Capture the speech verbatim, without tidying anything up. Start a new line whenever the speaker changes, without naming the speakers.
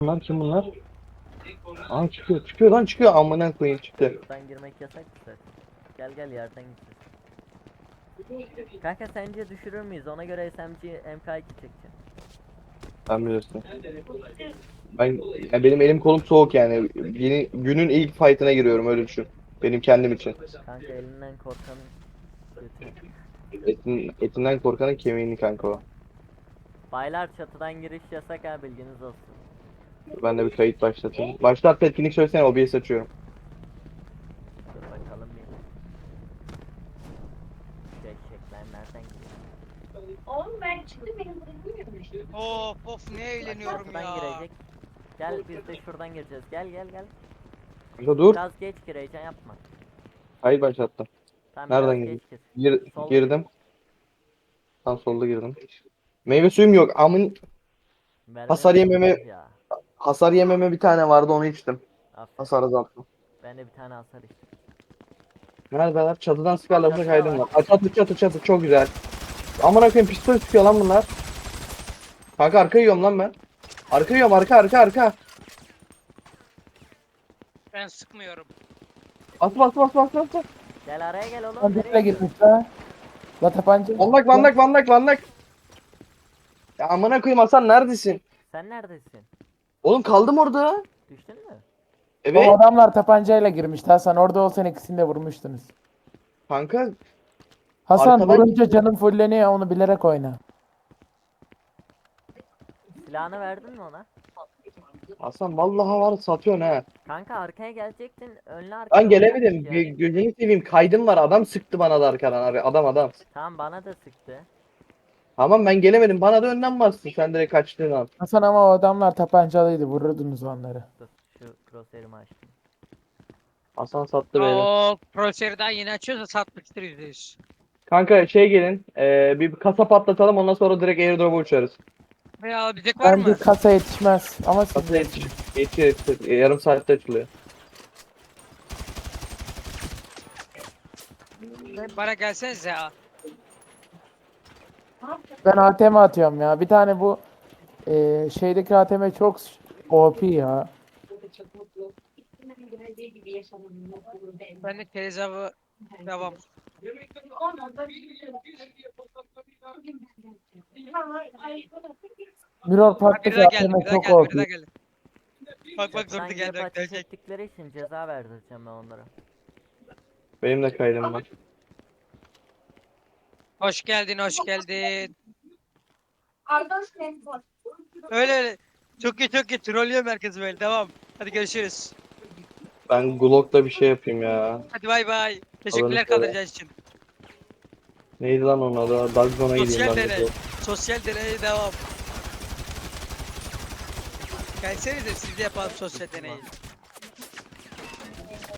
Bunlar kim bunlar? Aa çıkıyor çıkıyor lan çıkıyor amına koyayım çıktı.
Buradan girmek yasak mı zaten? Gel gel yerden gideceğiz. Kanka sence düşürür müyüz? Ona göre S M G M K iki çekeceğim.
Ben bilirsin. Ben ya benim elim kolum soğuk yani. Yeni, günün ilk fight'ına giriyorum öyle düşün. Benim kendim için.
Kanka elinden korkanın götü.
Etin, etinden korkanın kemiğini kanka o.
Baylar çatıdan giriş yasak ha, bilginiz olsun.
Ben de bir kayıt başlatayım. Başlat etkinlik söylesene O B S açıyorum.
Dur bakalım bir. Gerçekler nereden giriyor?
Oğlum ben çıktım benim bırakmıyorum.
Of of ne eğleniyorum
Çatıdan
ya.
girecek. Gel biz de şuradan gireceğiz. Gel gel gel.
Kanka dur.
Biraz geç gireceğim, yapma.
Kayıt başlattım.
Tamam
Nereden
biraz
girdin?
geç gir.
Gir,
Sol.
girdim. Tam solda girdim. Meyve suyum yok. Amın
Vermem
hasar yememe
ya.
hasar yememe bir tane vardı onu içtim.
Aferin.
Hasar azalttım.
Ben de bir tane hasar içtim.
Neredeler? Çatıdan sıkarlarsa
Çatı
kaydım
var.
var. Aa, çatı çatı çatı çok güzel. Amına koyayım pistol sıkıyor lan bunlar. Kanka arka yiyorum lan ben. Arka yiyorum arka arka arka.
Ben sıkmıyorum.
Bas bas bas bas bas. bas.
Gel araya gel oğlum.
Tabancayla
Nereye gidiyorsun?
girmiş ha. La tabanca.
Vandak vandak vandak vandak. Ya amına koyayım Hasan neredesin?
Sen neredesin?
Oğlum kaldım orada.
Düştün mü?
Evet.
O adamlar tabancayla girmiş. Hasan orada olsan ikisini de vurmuştunuz.
Kanka
Hasan
Arkadan-
vurunca canın fulleniyor, onu bilerek oyna.
Silahını verdin mi ona?
Hasan vallahi var satıyorsun ha.
Kanka arkaya gelecektin. Önlü arkaya.
Ben gelemedim.
oynayacaktık
Gö-
ya.
Gözünü seveyim kaydım var. Adam sıktı bana da arkadan abi. Adam adam.
Tamam bana da sıktı.
Tamam ben gelemedim. Bana da önden bastın. Sen direkt kaçtın abi.
Hasan ama o adamlar tabancalıydı, vururdunuz onları.
Dur şu crosshair'ımı açtım.
Hasan sattı beni.
O Proser'den yine açıyorsa satmıştır yüzde yüz.
Kanka şey gelin. E, bir kasa patlatalım ondan sonra direkt airdrop'a uçarız.
Veya alabilecek var
Bence
mı?
kasa yetişmez ama siz
Kasa yetişir. Yetişir yetişir. E, yarım saatte açılıyor.
Bana gelsenize ya.
ben A T M atıyorum ya. Bir tane bu e, şeydeki A T M çok O P ya.
Geldiği gibi yaşamam.
Ben de Kerizav'ı devam.
Mirror
Ha, biri
Park'taki
daha
A T
geldi,
M
biri daha
çok
geldi,
O
biri daha
P.
geldi. Bak bak
Sen
durdu
girip
geldi,
ateş
gelecek.
ettikleri için ceza verdireceğim ben onlara.
Benim de kaydım var.
Hoş geldin, hoş geldin.
Arkadaş benim var.
Öyle öyle. Çok iyi çok iyi. Trollüyor merkezi böyle. Devam. Hadi görüşürüz.
Ben Glock'ta bir şey yapayım ya.
Hadi bay bay. Teşekkürler
söyle.
kaldıracağınız için.
Neydi lan onun adı? Dagzon'a gideyim
Sosyal
ben de.
deney. Sosyal deneye devam. Gelsenize siz de yapalım sosyal deneyi.